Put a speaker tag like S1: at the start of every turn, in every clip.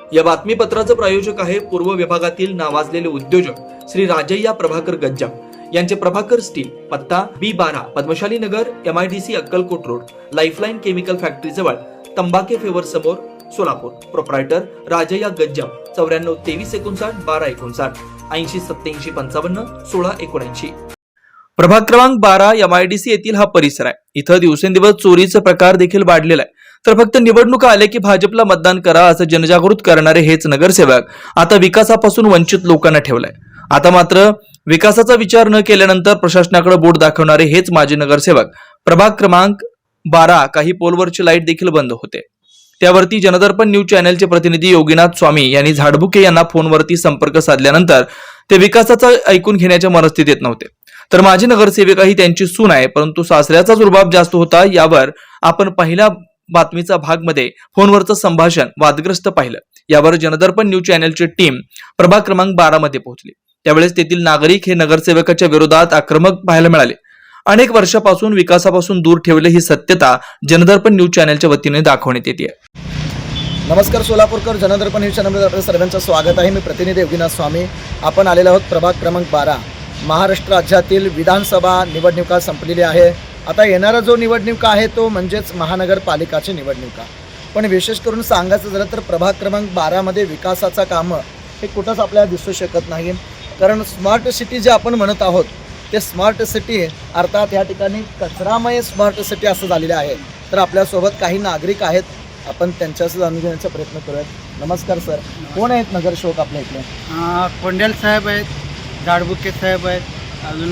S1: या बातमीपत्राचं प्रायोजक आहे पूर्व विभागातील नावाजलेले उद्योजक श्री राजय्या प्रभाकर गज्जाम यांचे प्रभाकर स्टील, पत्ता B12 Padmashali Nagar, MIDC Akkalkot road, lifeline chemical factory जवळ, तंबाके फेवर समोर, सोलापूर. प्रोप्रायटर राजय्या गज्जाम 94 23 59 12 59 80 87 55 16 79. प्रभाग क्रमांक 12 MIDC येथील हा परिसर आहे. इथं दिवसेंदिवस चोरीचा प्रकार देखील वाढलेला आहे. तर फक्त निवडणुका आल्या की भाजपला मतदान करा असं जनजागृत करणारे हेच नगरसेवक आता विकासापासून वंचित लोकांना ठेवलाय. आता मात्र विकासाचा विचार न केल्यानंतर प्रशासनाकडे बोट दाखवणारे हेच माजी नगरसेवक. प्रभाग क्रमांक 12 काही पोलवरची लाईट देखील बंद होते. त्यावरती जनदर्पण न्यूज चॅनलचे प्रतिनिधी योगीनाथ स्वामी यांनी झाडबुके यांना फोनवरती संपर्क साधल्यानंतर ते विकासाचा ऐकून घेण्याच्या मनस्थितीत नव्हते. तर माजी नगरसेविका ही त्यांची सून आहे, परंतु सासऱ्याचाच रुबाब जास्त होता. यावर आपण पहिल्या बातमीचा भाग मध्ये फोनवरचं संभाषण वादग्रस्त पाहिलं. यावर जनदर्पण न्यूज चॅनलची टीम प्रभाग क्रमांक 12 मध्ये पोहोचली. त्यावेळेस तेथील नागरिक हे नगरसेवकाच्या विरोधात आक्रमक पाहायला मिळाले. अनेक वर्षापासून विकासापासून दूर ठेवले ही सत्यता जनदर्पण न्यूज चॅनलच्या वतीने दाखवण्यात येते.
S2: नमस्कार सोलापूरकर, जनदर्पण न्यूज चॅनलमध्ये आपल्या सर्वांचं स्वागत आहे. मी प्रतिनिधी योगीनाथ स्वामी. आपण आलेलो आहोत प्रभाग क्रमांक 12. महाराष्ट्र राज्यातील विधानसभा निवडणुका संपलेली आहे. आता येणारा जो निवडणुका आहे तो म्हणजेच महानगरपालिकाची निवडणुका. पण विशेष करून सांगायचं झालं तर प्रभाग क्रमांक 12 मध्ये विकासाचा कामं हे कुठंच आपल्याला दिसू शकत नाही. कारण स्मार्ट सिटी जे आपण म्हणत आहोत ते स्मार्ट सिटी अर्थात या ठिकाणी कचरामय स्मार्ट सिटी असं झालेलं आहे. तर आपल्यासोबत काही नागरिक आहेत, आपण त्यांच्याशी जाणून घेण्याचा प्रयत्न करूयात. नमस्कार सर, कोण आहेत नगरसेवक आपल्या इकडे?
S3: कोंडेल साहेब आहेत, झाडबुके साहेब आहेत, अजून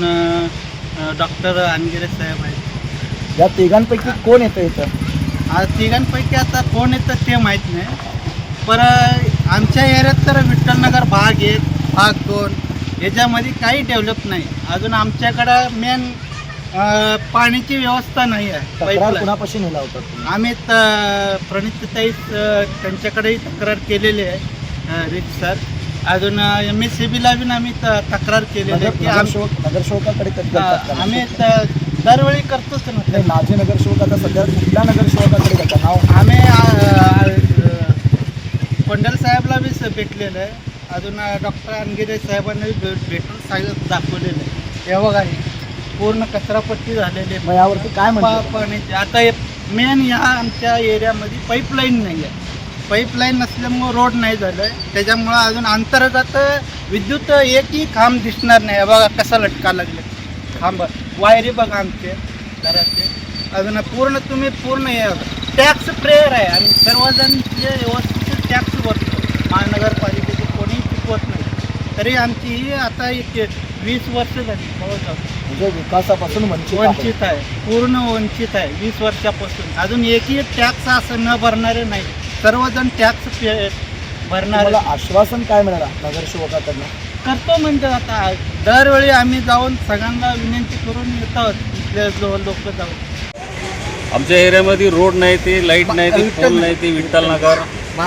S3: डॉक्टर अनगिरे साहेब आहेत.
S2: या तिघांपैकी कोण येतं इथं?
S3: तिघांपैकी आता कोण येतं ते माहीत नाही. पण आमच्या एरियात तर विठ्ठलनगर भाग 1, भाग 2 याच्यामध्ये काही डेव्हलप नाही. अजून आमच्याकडं मेन पाण्याची व्यवस्था नाही आहे.
S2: तक्रार कुणापाशी नेला होता?
S3: आम्ही प्रणितताई त्यांच्याकडेही तक्रार केलेली आहे सर. अजून MSCBला बी आम्ही तक्रार केलेली आहे की
S2: नगरसेवकाकडे कधी करतात?
S3: आम्ही दरवेळी करतोच ना.
S2: माझे नगरसेवक आता सध्या कुठल्या नगरसेवकाकडे करतात नाव?
S3: आम्ही कोंडल साहेबला बी भेटलेलं आहे. अजून डॉक्टर अनगिरे साहेबांना भेटून दाखवलेलं आहे. हे बघा पूर्ण कचरापट्टी झालेली आहे.
S2: यावरती काय म्हणतात?
S3: पाण्याची आता मेन या आमच्या एरियामध्ये पाईपलाईन नाही आहे. पाईपलाईन नसल्यामुळं रोड नाही झालं आहे. त्याच्यामुळं अजून अंतर्गत विद्युत एकही खांब दिसणार नाही. बघा कसा लटका लागले खांब, वायरी बघा आमचे घराचे. अजून पूर्ण टॅक्स प्रेयर आहे आणि सर्वजण जे व्यवस्थित टॅक्स भरतो. महानगरपालिकेचे कोणीही चुकवत नाही. तरी आमची ही आता 20 वर्ष झाली
S2: म्हणजे विकासापासून
S3: वंचित आहे, पूर्ण वंचित आहे 20 वर्षापासून. अजून एकही टॅक्स असं न भरणारे नाही, सर्वजण टॅक्स भरणारे.
S2: आश्वासन काय मिळालं नगरसेवकाकडनं?
S3: करतो म्हणजे आता दरवेळी आम्ही जाऊन सगळ्यांना विनंती करून येतो. इथले लोक जाऊन
S4: आमच्या एरियामध्ये रोड नाही, ते लाईट नाही, ते पोल नाही, ते विठ्ठलनगर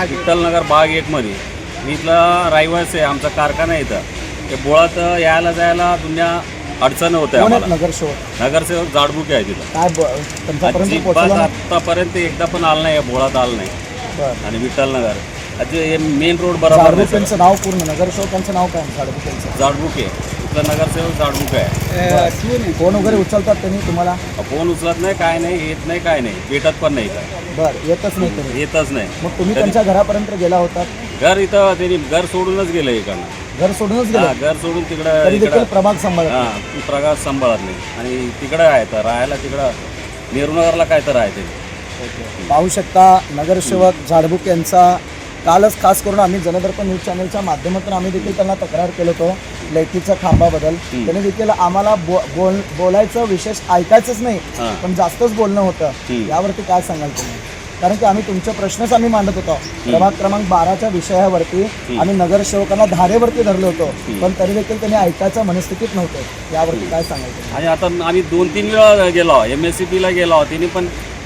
S4: भाग 1 मध्ये. मी इथला रहिवासी आहे. आमचा कारखाना आहे इथं. ते बोळात यायला जायला दुनिया अडचण होते आम्हाला. नगरसेवक झाडबुके आहे तिथं. आतापर्यंत एकदा पण आलं नाही, बोळात आलं नाही. आणि विठ्ठलनगर हे मेन रोड बरोबर नाही.
S2: त्यांचं नाव पूर्ण नगरसेवकांचं नाव काय?
S4: झाडबुके. इथला नगरसेवक झाडबुके आहे.
S2: फोन वगैरे उचलतात त्यांनी तुम्हाला?
S4: फोन उचलत नाही, काय नाही, येत नाही, काय नाही, भेटत पण नाही.
S2: बरं, येतच नाही तुम्ही?
S4: येतच नाही.
S2: मग तुम्ही त्यांच्या घरापर्यंत गेला होता?
S4: घर इथं त्यांनी घर सोडूनच गेलं. इकडनं
S2: घर सोडूनच गेलं?
S4: घर सोडून तिकडं
S2: प्रभाग सांभाळत?
S4: प्रभाग सांभाळत नाही. आणि तिकडं आहे तर राहायला तिकडं नेहरूनगरला काय तर आहे ते.
S2: पाहू शकता नगरसेवक झाडबुके यांचा कालच खास करून आम्ही जनदर्पण न्यूज चॅनलच्या माध्यमातून आम्ही देखील त्यांना तक्रार केलं होतो लाईटीच्या खांबाबद्दल. त्यांनी देखील आम्हाला बोलायचं विशेष ऐकायचंच नाही, पण जास्तच बोलणं होतं. यावरती काय सांगाल तुम्ही? कारण की आम्ही तुमचे प्रश्नच आम्ही मांडत होतो. प्रभाग क्रमांक 12च्या विषयावरती आम्ही नगरसेवकांना धारेवरती धरलो होतो, पण तरी देखील त्यांनी ऐकायच्या मनस्थितीत नव्हते. यावरती काय सांगायचं?
S4: आणि आता आम्ही 2-3 वेळा गेलो, MSCBला गेलो. त्यांनी पण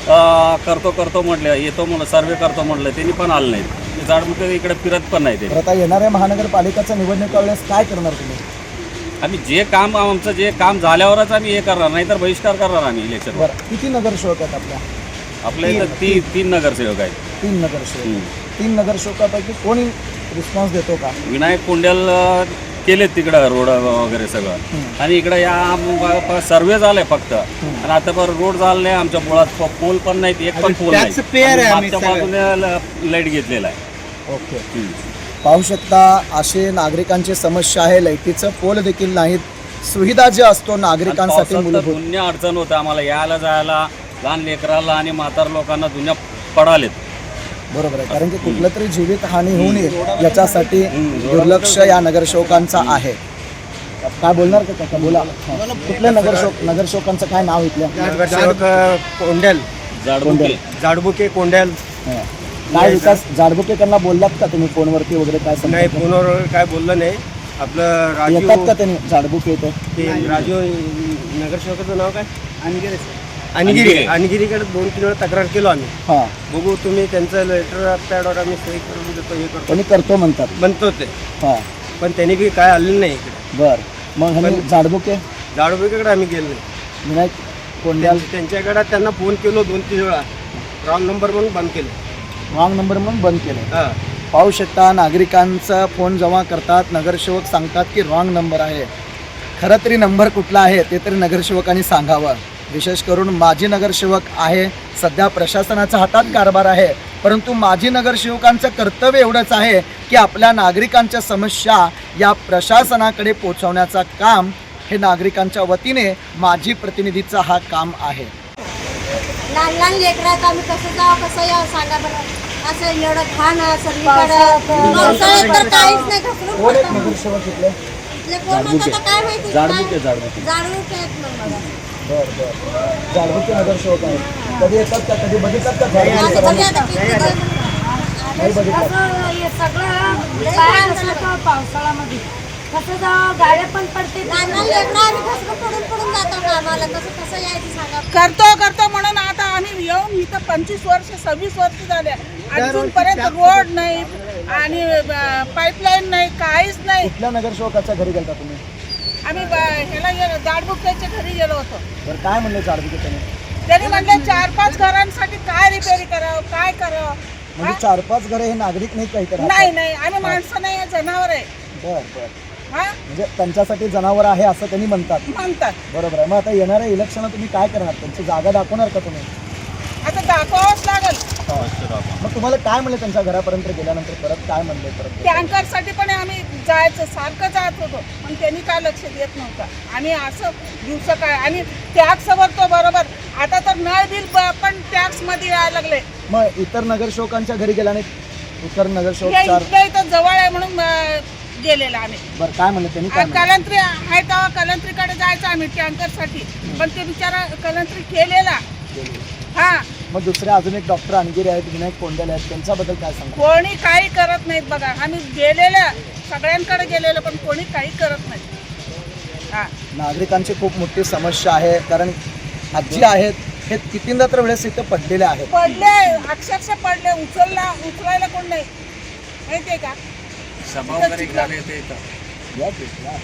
S4: करतो म्हटलं, येतो म्हणलं, सर्वे करतो म्हटलं, त्यांनी पण आलं नाही. झाडबुके इकडे फिरत पण नाही. ते
S2: आता येणाऱ्या महानगरपालिकेच्या निवडणुका वेळेस काय करणार तुम्ही?
S4: आम्ही आमचं जे काम झाल्यावरच आम्ही हे करणार, नाही तर बहिष्कार करणार आम्ही इलेक्शन.
S2: किती नगरसेवक आहेत आपल्या
S4: इथं? 3 नगरसेवक आहेत.
S2: 3 नगरसेवक. 3 नगरसेवकापैकी कोणी रिस्पॉन्स देतो का?
S4: विनायक कोंड्याल केलेत तिकडं रोड वगैरे सगळं, आणि इकडं या सर्वे झालाय फक्त, आणि आता पण रोड झाला नाही. आमच्या पोळात पोल पण नाहीत, एक पण पोल नाही.
S3: taxpayer आहे आम्ही
S4: मागच्या बाजूने लाईट घेतलेला आहे.
S2: ओके. पाहू शकता असे नागरिकांची समस्या आहे. लाईटीचं पोल देखील नाहीत. सुविधा जे असतो नागरिकांसाठी मूलभूत.
S4: दुनिया अडचण होतं आम्हाला यायला जायला, लहान लेकराला आणि म्हातार लोकांना दुनिया पडालेत.
S2: बरोबर आहे, कारण की कुठलं तरी जीवित हानी होऊ नये याच्यासाठी दुर्लक्ष या नगरसेवकांचा आहे. काय बोलणार का काका? बोला. कुठल्या नगरसेवकांचं काय नाव इथल्या?
S3: नगरसेवक कोंडेल, जाडबुके कोंडेल.
S2: काय विकास जाडबुके त्यांना बोललात का तुम्ही फोनवरती वगैरे? काय
S3: नाही,
S2: सांगता?
S3: फोनवर काय बोललं नाही. आपलं
S2: येतात का त्यांनी जाडबुके इथे?
S3: राजू नगरसेवकाचं नाव काय? अनगिरीकडे 2-3 वेळा तक्रार केलो आम्ही.
S2: हां,
S3: बघू तुम्ही त्यांचं लेटर पॅडवर आम्ही सही करून देतो, हे करतो
S2: त्यांनी करतो म्हणतात.
S3: म्हणतो ते,
S2: हां,
S3: पण त्यांनी बी काय आलेलं नाही इकडे.
S2: बर. मग ह्यांनी जाडबुके
S3: जाडबुकेकडे आम्ही गेलो नाही.
S2: विनायक कोंड्याल
S3: त्यांच्याकडे त्यांना फोन केलो 2-3 वेळा, रॉंग नंबर म्हणून बंद केले.
S2: रॉंग नंबर म्हणून बंद केलं.
S3: हां,
S2: पाहू शकता नागरिकांचा फोन जेव्हा करतात, नगरसेवक सांगतात की रॉंग नंबर आहे. खरं तरी नंबर कुठला आहे ते तरी नगरसेवकांनी सांगावं. विशेष करून माजी नगरसेवक आहे, सध्या प्रशासनाच्या हातात कारभार आहे, परंतु माजी नगरसेवकांचं कर्तव्य एवढंच आहे की आपल्या नागरिकांच्या समस्या या प्रशासनाकडे पोहोचवण्याचं काम हे नागरिकांच्या वतीने माजी प्रतिनिधीचा हा काम आहे.
S5: लहान लहान लेकरं आहेत, आम्ही कसं जावं कसं यावं सांगा बरं. असं एवढं घाण सगळीकडं, पावसाळ्यात तर काहीच नाही. घसरून
S2: कोण आहेत
S5: पडतं.
S2: नगरसेवक इथले?
S5: इथले कोण म्हणतात तर काय माहिती.
S4: जाडबुके
S5: जाडबुके आहेत मग बघा.
S2: बरं. जाडबुके नगरसेवक आहेत. कधी येतात का? कधी बघिततात का?
S5: आता बघा आता किती दिवस.
S2: नाही बघितलं.
S6: असं हे सगळं बाहेर असलं का पावसाळ्यामध्ये कसं जावं, गाड्या पण पडते.
S5: लहान लहान लेकरं आम्ही घसरून पडून जातो कामाला. कसं यायचं सांगा.
S6: करतो म्हणून आता आम्ही येऊन इथं 25 वर्ष 26 वर्ष झाले, अजूनपर्यंत रोड नाही आणि पाईपलाईन नाही, काहीच नाही.
S2: कुठल्या नगरसेवकाच्या घरी गेलता तुम्ही?
S6: आम्ही ह्याला गेलो, जाडबुक्याच्या घरी गेलो होतो.
S2: बरं, काय म्हणले जाडबुके त्यांनी?
S6: त्यांनी म्हणले 4-5 घरांसाठी काय रिपेअरी करावं, काय करावं.
S2: म्हणजे 4-5 घरे हे नागरिक नाही काही तर?
S6: नाही आम्ही माणसं नाही, जनावर आहे.
S2: बरं.
S6: हा
S2: म्हणजे त्यांच्यासाठी जनावर आहे असं त्यांनी म्हणतात. बरोबर आहे. मग आता येणाऱ्या इलेक्शनला तुम्ही काय करणार? त्यांची जागा दाखवणार का तुम्ही?
S6: आता दाखवावंच लागेल.
S2: मग तुम्हाला काय म्हणले त्यांच्या घरापर्यंत गेल्यानंतर? परत काय म्हणले? परत
S6: टँकरसाठी पण आम्ही जायचं, सारखं जात होतो, पण त्यांनी काय लक्ष देत नव्हतं. आणि असं दिवस काय, आणि टॅक्स भरतो बरोबर. आता तर नळ बिल पण टॅक्समध्ये यायला लागले.
S2: मग इतर नगरसेवकांच्या घरी गेल्याने इतर नगरसेवक
S6: हे
S2: 4
S6: इथल्या इथं जवळ आहे म्हणून गेलेलं आम्ही.
S2: बरं, काय म्हणले त्यांनी? काय म्हणले?
S6: कलंत्री आहे तेव्हा कलंत्रीकडे जायचं आम्ही टँकरसाठी, पण ते बिचारा कलंत्री केलेला. हा,
S2: मग दुसरे अजून एक डॉक्टर अनगिरे आहेत, विनायक कोंडेल आहेत, त्यांच्याबद्दल काय सांगा?
S6: कोणी काही करत नाहीत बघा. आम्ही गेलेलं सगळ्यांकडे गेलेलं, पण कोणी काही करत नाही. हा,
S2: नागरिकांची खूप मोठी समस्या आहे, कारण आजी आहेत हे कितींदा तर वेळेस इथं पडलेले आहेत.
S6: पडले, अक्षरशः पडले. उचलायला कोण नाही, माहितीये का?
S4: सभा वगैरे घ्यायला येते इथं.
S2: या की, या.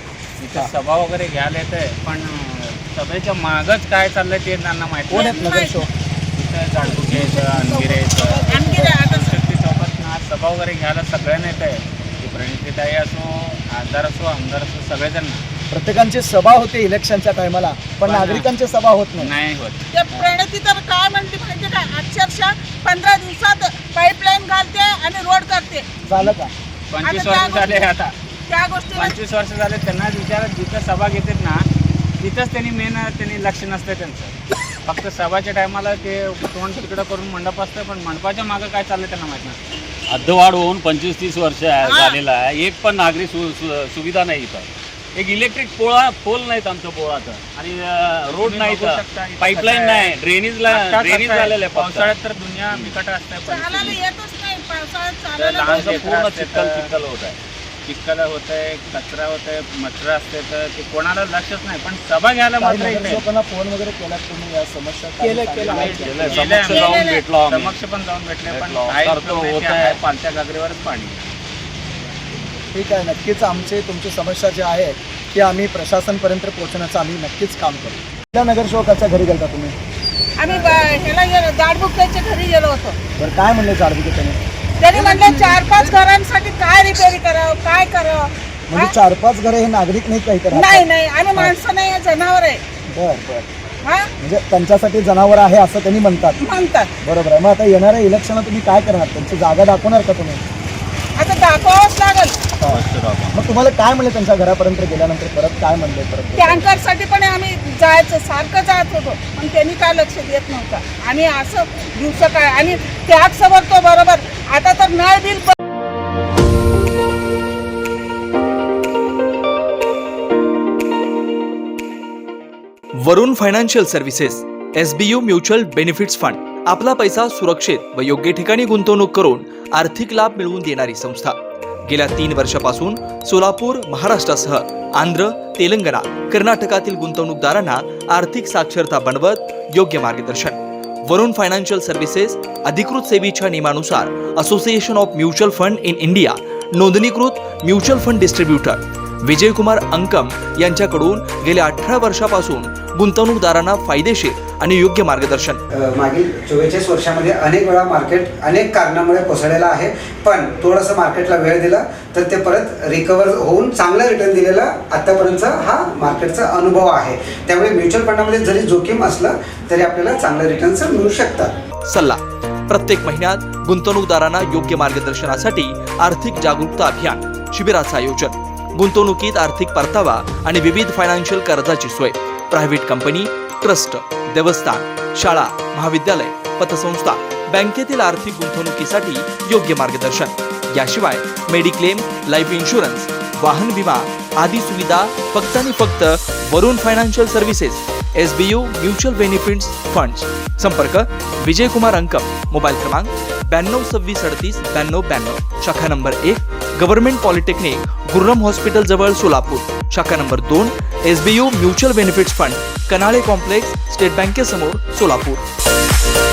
S4: इथं सभा वगैरे घ्यायला येते, पण सभेच्या मागच काय चाललंय ते त्यांना माहिती.
S2: कोण आहेत नगरसेवक?
S4: इथं जाडबुके येतं, अनगिरे येतं.
S6: अनगिरे आता
S4: शक्ती चौकात ना सभा वगैरे घ्यायला सगळ्यांना येत आहे. ती प्रणितीताई असो, खासदार असो, आमदार असो, सगळेजण
S2: प्रत्येकांची सभा होते इलेक्शनच्या टायमाला, पण नागरिकांची सभा होत नाही.
S4: नाही होत.
S6: ते प्रणती तर काय म्हणते माहिती का, अक्षरशः 15 दिवसात पाईपलाईन घालते आणि रोड करते.
S2: झालं का?
S4: 25
S6: आता
S4: वर्ष झाले आता.
S6: त्या गोष्टी
S4: 25 वर्ष झाले त्यांना विचारत, जिथं सभा घेतात ना तिथंच त्यांनी लक्ष नसतं त्यांचं. फक्त सभाच्या टायमाला ते तोंड तिकडं करून मंडप असतं, पण मंडपाच्या मागं काय चाललंय त्यांना माहित नाही. अर्धवाढ होऊन 25-30 वर्ष झालेला आहे. एक पण नागरी सुविधा नाही इथं. एक इलेक्ट्रिक पोल नाहीत आमचं पोळाचं, आणि रोड नाही, पाईपलाईन नाही, ड्रेनेज झालेलं आहे. पावसाळ्यात तर दुनिया बिकट असते.
S6: चालायला येतच नाही, पावसाळ्यात चालायला
S4: पूर्ण चिखल होत आहे. चिखल होत आहे, कचरा होत आहे, मच्छर असते, तर ते कोणाला लक्षच नाही. पण सभा घ्यायला मात्र येते.
S2: लोकांना फोन वगैरे केला तुम्ही या समस्या?
S3: केलं.
S4: समक्ष जाऊन भेटलो, समक्ष पण जाऊन भेटले, पण होत आहे पालत्या गागरीवरच पाणी.
S2: ठीक आहे, नक्कीच आमची तुमची समस्या जी आहे ती आम्ही प्रशासनपर्यंत पोहोचण्याचं आम्ही नक्कीच काम करू. कुठल्या नगरसेवकाच्या घरी गेलता तुम्ही?
S6: आम्ही ह्याला गेलो, जाडबुक्याच्या घरी गेलो होतो.
S2: बरं, काय म्हणले जाडबुके त्यांनी?
S6: त्यांनी म्हटलं 4-5 घरांसाठी काय रिपेअरी करावं, काय करावं.
S2: म्हणजे 4-5 घरे हे नागरिक नाहीत काही तर
S6: नाही नाही, आम्ही माणसं नाही, जनावर आहे.
S2: बर बर.
S6: हा
S2: म्हणजे त्यांच्यासाठी जनावर आहे असं त्यांनी म्हणतात.
S6: म्हणतात.
S2: बरोबर आहे. मग आता येणाऱ्या इलेक्शनला तुम्ही काय करणार? त्यांची जागा दाखवणार का तुम्ही?
S6: आता दाखवावंच लागेल.
S2: मग तुम्हाला काय म्हणले त्यांच्या घरापर्यंत गेल्यानंतर? परत काय म्हणले? परत
S6: टँकरसाठी पण आम्ही जायचं, सारखं जात होतो, पण त्यांनी काय लक्ष देत नव्हतं. आणि असं दिवस काय, आणि टॅक्स भरतो बरोबर. आता तर नळ bill
S1: Varun financial services SBU mutual benefits fund आपला पैसा सुरक्षित व योग्य ठिकाणी गुंतवणूक करून आर्थिक लाभ मिळवून देणारी संस्था. गेल्या 3 वर्षापासून सोलापूर, महाराष्ट्रासह आंध्र, तेलंगणा, कर्नाटकातील गुंतवणूकदारांना आर्थिक साक्षरता बनवत योग्य मार्गदर्शन. वरुण फायनान्शियल सर्व्हिसेस अधिकृत सेवेच्या नियमानुसार association of mutual fund in India नोंदणीकृत mutual fund distributor Vijaykumar Ankam यांच्याकडून गेल्या 18 वर्षापासून गुंतवणूकदारांना फायदेशीर आणि योग्य मार्गदर्शन.
S7: मागील 44 वर्षामध्ये अनेक वेळा मार्केट अनेक कारणामुळे कोसळलेलं आहे, पण थोडंसं मार्केटला वेळ दिला तर ते परत रिकवर होऊन चांगलं रिटर्न दिलेला आतापर्यंतचा हा मार्केटचा अनुभव आहे. त्यामुळे म्युच्युअल फंडामध्ये जरी जोखीम असलं तरी आपल्याला चांगलं रिटर्न्स मिळू शकतात.
S1: सल्ला प्रत्येक महिन्यात गुंतवणूकदारांना योग्य मार्गदर्शनासाठी आर्थिक जागरूकता अभियान शिबिराचं आयोजन. गुंतवणुकीत आर्थिक परतावा आणि विविध फायनान्शियल कर्जाची सोय. प्रायव्हेट कंपनी, ट्रस्ट, देवस्थान, शाळा, महाविद्यालय, पतसंस्था, बँकेतील आर्थिक गुंतवणुकीसाठी योग्य मार्गदर्शन. याशिवाय मेडिक्लेम, लाईफ इन्शुरन्स, वाहन विमा आदी सुविधा फक्त आणि फक्त Varun financial services SBU mutual benefits funds. संपर्क विजयकुमार अंकम. मोबाईल क्रमांक 9226389292. शाखा number 1 government polytechnic, Gurram hospital जवळ सोलापूर. शाखा number 2 SBU mutual benefits fund, Kanale complex, state बँकेसमोर, सोलापूर.